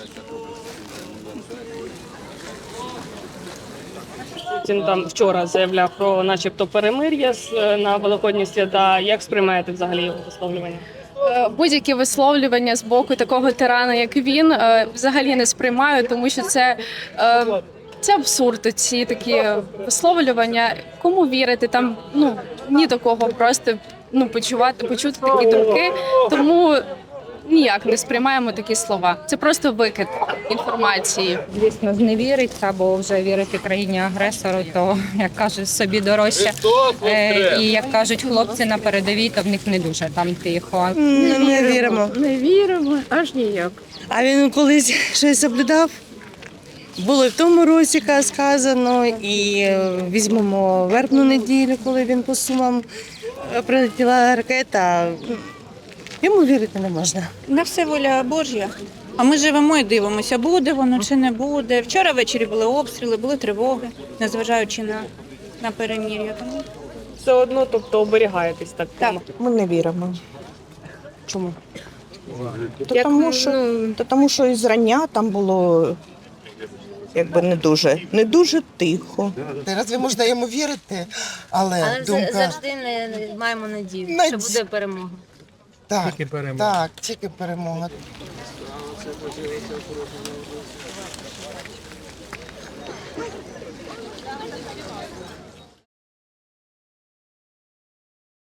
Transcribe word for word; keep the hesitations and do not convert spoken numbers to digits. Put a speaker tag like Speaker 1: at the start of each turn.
Speaker 1: Він там вчора заявляв про начебто перемир'я з- на Великодні свята. Як сприймаєте взагалі його висловлювання?
Speaker 2: Е, Будь-які висловлювання з боку такого тирана, як він, е, взагалі не сприймаю, тому що це, е, це абсурд. Ці такі висловлювання. Кому вірити? Там ну ні до кого просто ну почувати, почути такі думки. Тому ніяк не сприймаємо такі слова. Це просто викид інформації.
Speaker 3: Звісно, зневірить або вже вірити країні-агресору, то, як кажуть, собі дорожче. Е, І, як кажуть хлопці на передовій, то в них не дуже там тихо.
Speaker 4: Не, не віримо.
Speaker 5: Не віримо, аж ніяк.
Speaker 4: А він колись щось соблюдав. Було і в тому році ка- сказано, і е, візьмемо вербну неділю, коли він по Сумам е, прилетіла ракета. Йому вірити не можна.
Speaker 6: На все воля Божя. А ми живемо і дивимося, буде воно чи не буде. Вчора ввечері були обстріли, були тривоги, незважаючи на, на перемір'я. Тому
Speaker 1: Все одно, тобто оберігаєтесь так.
Speaker 6: Так.
Speaker 7: Ми не віримо. Чому? То
Speaker 5: Як,
Speaker 7: тому, що,
Speaker 5: ну,
Speaker 7: то тому, що і зрання там було якби не дуже, не дуже тихо.
Speaker 8: Разве можна йому вірити? Але,
Speaker 9: Але
Speaker 8: думка
Speaker 9: завжди не не маємо надію,
Speaker 8: Наді-
Speaker 9: що буде перемога.
Speaker 8: так, так, тільки перемога.